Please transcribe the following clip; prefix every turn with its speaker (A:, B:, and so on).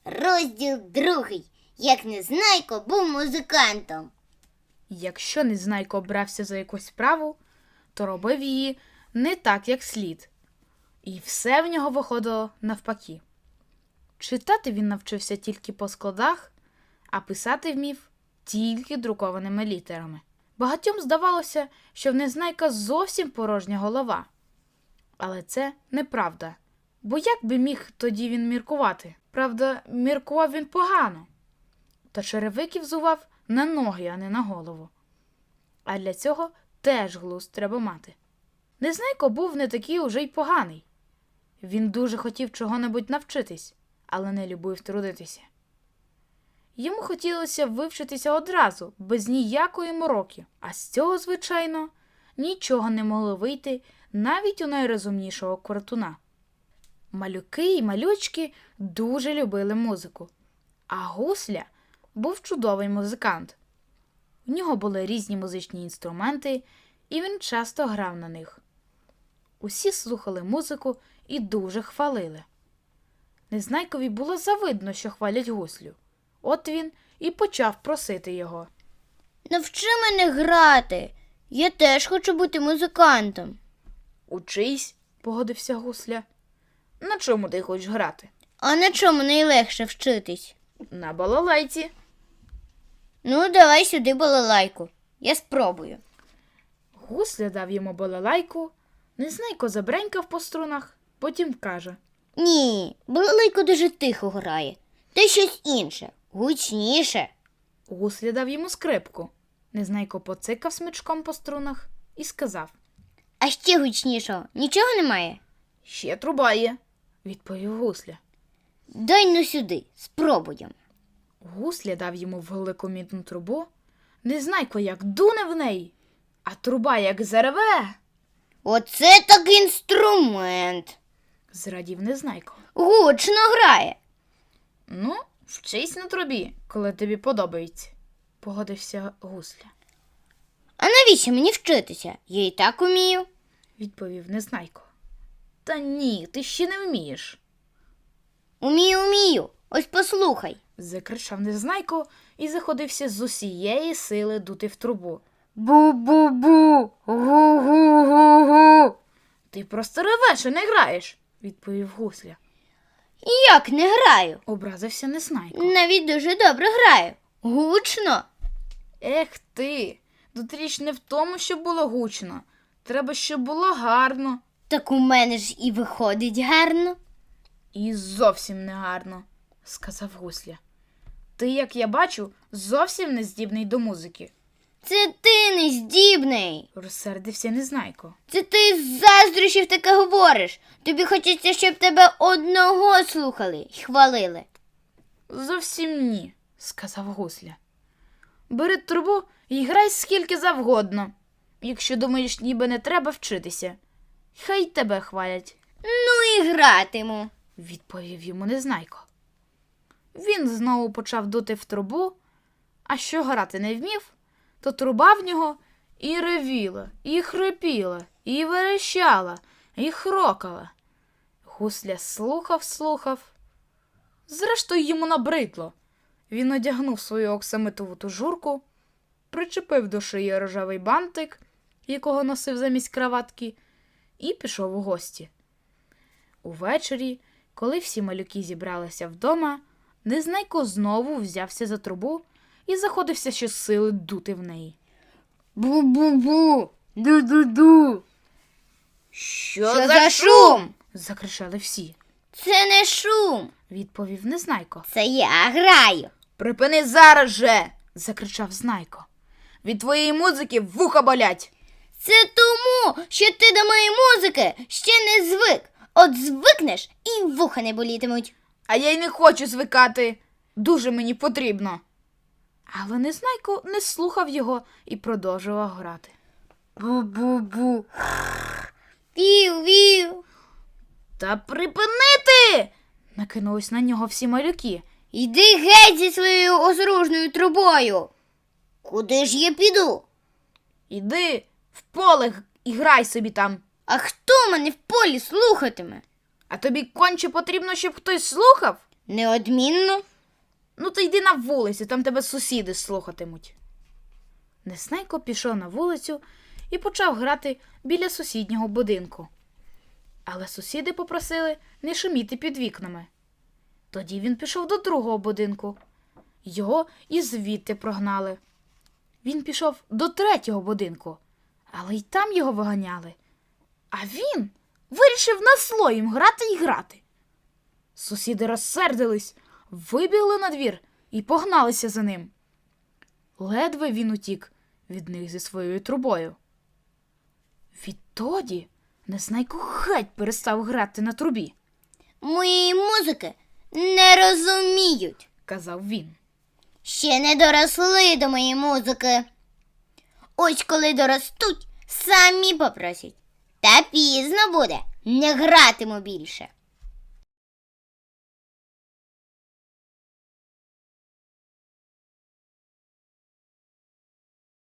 A: Розділ 2. Як Незнайко був музикантом.
B: Якщо Незнайко брався за якусь справу, то робив її не так, як слід. І все в нього виходило навпаки. Читати він навчився тільки по складах, а писати вмів тільки друкованими літерами. Багатьом здавалося, що в Незнайка зовсім порожня голова. Але це неправда. Бо як би міг тоді він міркувати? Правда, міркував він погано. Та черевики взував на ноги, а не на голову. А для цього теж глузд треба мати. Незнайко був не такий уже й поганий. Він дуже хотів чого-небудь навчитись, але не любив трудитися. Йому хотілося вивчитися одразу, без ніякої мороки, а з цього, звичайно, нічого не могло вийти навіть у найрозумнішого квартуна. Малюки і малючки дуже любили музику, а Гусля був чудовий музикант. У нього були різні музичні інструменти, і він часто грав на них. Усі слухали музику і дуже хвалили. Незнайкові було завидно, що хвалять Гуслю. От він і почав просити його.
A: Навчи мене грати. Я теж хочу бути музикантом.
B: «Учись», – погодився Гусля. «На чому ти хочеш грати?»
A: А на чому найлегше вчитись?
B: «На балалайці».
A: Ну, давай сюди балалайку. Я спробую.
B: Гусля дав йому балалайку, Незнайко забренькав по струнах, потім каже.
A: Ні, балалайка дуже тихо грає. Та щось інше, гучніше.
B: Гусля дав йому скрипку. Незнайко поцикав смичком по струнах і сказав.
A: А ще гучнішого нічого немає?
B: «Ще труба є», – відповів Гусля.
A: Дай ну сюди, спробуємо.
B: Гусля дав йому велику мідну трубу. Незнайко як дуне в неї, а труба як зареве.
A: Оце так інструмент.
B: Зрадів Незнайко.
A: Гучно грає.
B: Ну, вчись на трубі, коли тобі подобається, погодився Гусля,
A: А навіщо мені вчитися? Я і так умію.
B: відповів Незнайко. Та ні, ти ще не вмієш,
A: Умію. Ось послухай.
B: закричав Незнайко і заходився з усієї сили дути в трубу.
A: Бу-бу-бу, гу-гу-гу-гу.
B: Ти просто ревеш і не граєш, відповів Гусля.
A: Як не граю?
B: Образився Незнайко.
A: Навіть дуже добре граю. Гучно.
B: Ех ти, тут річ не в тому, щоб було гучно. Треба, щоб було гарно.
A: Так у мене ж і виходить гарно.
B: І зовсім не гарно, сказав Гусля. Ти, як я бачу, зовсім не здібний до музики,
A: Це ти не здібний.
B: розсердився Незнайко.
A: Це ти з заздрощів таке говориш. Тобі хочеться, щоб тебе одного слухали й хвалили.
B: Зовсім ні, сказав Гусля. Бери трубу і грай скільки завгодно, якщо думаєш, ніби не треба вчитися. Хай тебе хвалять,
A: Ну і гратиму.
B: відповів йому Незнайко. Він знову почав дути в трубу, а що грати не вмів, то труба в нього і ревіла, і хрипіла, і верещала, і хрокала. Гусля слухав. Зрештою йому набридло. Він одягнув свою оксамитову тужурку, причепив до шиї рожевий бантик, якого носив замість краватки, і пішов у гості. Увечері, коли всі малюки зібралися вдома, Незнайко знову взявся за трубу і заходився щосили дути в неї.
A: Бу-бу-бу, ду-ду-ду.
B: «Що
A: за шум?»
B: – закричали всі,
A: Це не шум,
B: відповів Незнайко.
A: це я граю.
B: «Припини зараз же!» – закричав Знайко. «Від твоєї музики вуха болять!»
A: Це тому, що ти до моєї музики ще не звик. От звикнеш і вуха не болітимуть.
B: «А я й не хочу звикати! Дуже мені потрібно!» Але Незнайко не слухав його і продовжував грати.
A: Бу-бу-бу. Вів-вів.
B: «Та припинити!» – накинулись на нього всі малюки.
A: Йди геть зі своєю осоружною трубою. Куди ж я піду?
B: «Іди в поле і грай собі там!»
A: А хто мене в полі слухатиме?
B: «А тобі конче потрібно, щоб хтось слухав?»
A: Неодмінно.
B: Ну, то йди на вулицю, там тебе сусіди слухатимуть. Незнайко пішов на вулицю і почав грати біля сусіднього будинку. Але сусіди попросили не шуміти під вікнами. Тоді він пішов до другого будинку. Його і звідти прогнали. Він пішов до третього будинку, але й там його виганяли. А він вирішив на зло їм грати і грати. Сусіди розсердились, вибігли на двір і погналися за ним. Ледве він утік від них зі своєю трубою. Відтоді Незнайко геть перестав грати на трубі,
A: Моєї музики не розуміють.
B: казав він.
A: Ще не доросли до моєї музики. Ось коли доростуть, самі попросять. Та пізно буде, не гратиму більше.